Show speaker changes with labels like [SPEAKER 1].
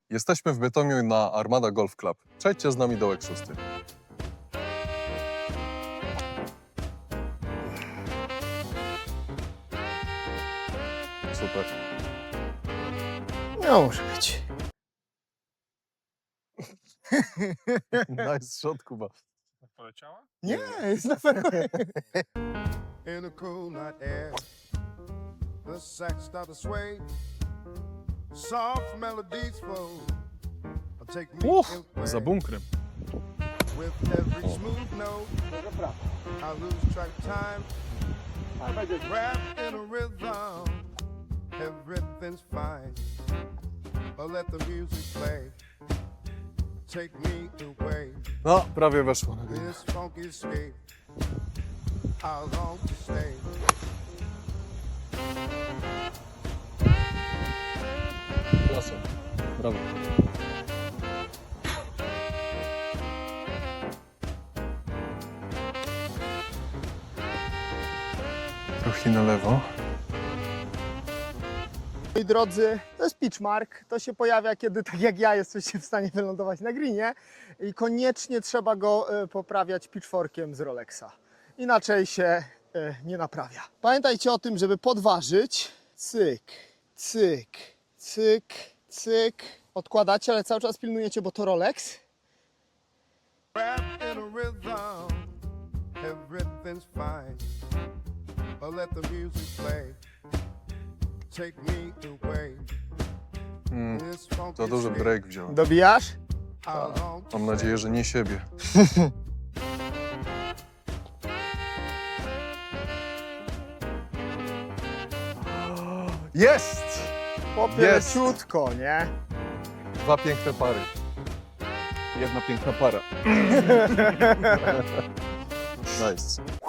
[SPEAKER 1] Jesteśmy w Bytomiu na Armada Golf Club. Przejdźcie z nami dołek 6. Super.
[SPEAKER 2] Nie może być.
[SPEAKER 1] Nice shot, Kuba.
[SPEAKER 3] Poleciała?
[SPEAKER 2] Nie, jest na pewno.
[SPEAKER 4] In a cool night air, the sax start to sway. Soft melodies flow. Take me in
[SPEAKER 3] Za bunkrem.
[SPEAKER 4] with every smooth note. I lose track of time. Wrapped in a rhythm, everything's fine. But let the music play. Take me away.
[SPEAKER 1] No, prawie weszło.
[SPEAKER 4] This funky escape. I long to stay.
[SPEAKER 1] Klasa. Brawo. Trochę na lewo.
[SPEAKER 2] Moi drodzy, to jest pitch mark. To się pojawia, kiedy tak jak ja jesteście w stanie wylądować na greenie i koniecznie trzeba go poprawiać pitchforkiem z Rolexa. Inaczej się nie naprawia. Pamiętajcie o tym, żeby podważyć. Cyk, cyk, cyk, cyk. Odkładacie, ale cały czas pilnujecie, bo to Rolex.
[SPEAKER 4] Wrapped in a rhythm, everything's fine. But let the music play. Take me away. This funky
[SPEAKER 1] Za duży
[SPEAKER 4] escape.
[SPEAKER 1] break wziąłem.
[SPEAKER 2] Dobijasz?
[SPEAKER 4] I long to
[SPEAKER 1] Mam nadzieję, że nie siebie. Jest!
[SPEAKER 2] Chłopie,
[SPEAKER 1] Jest.
[SPEAKER 2] leciutko, nie?
[SPEAKER 1] Dwa piękne pary. Jedna piękna para. Nice.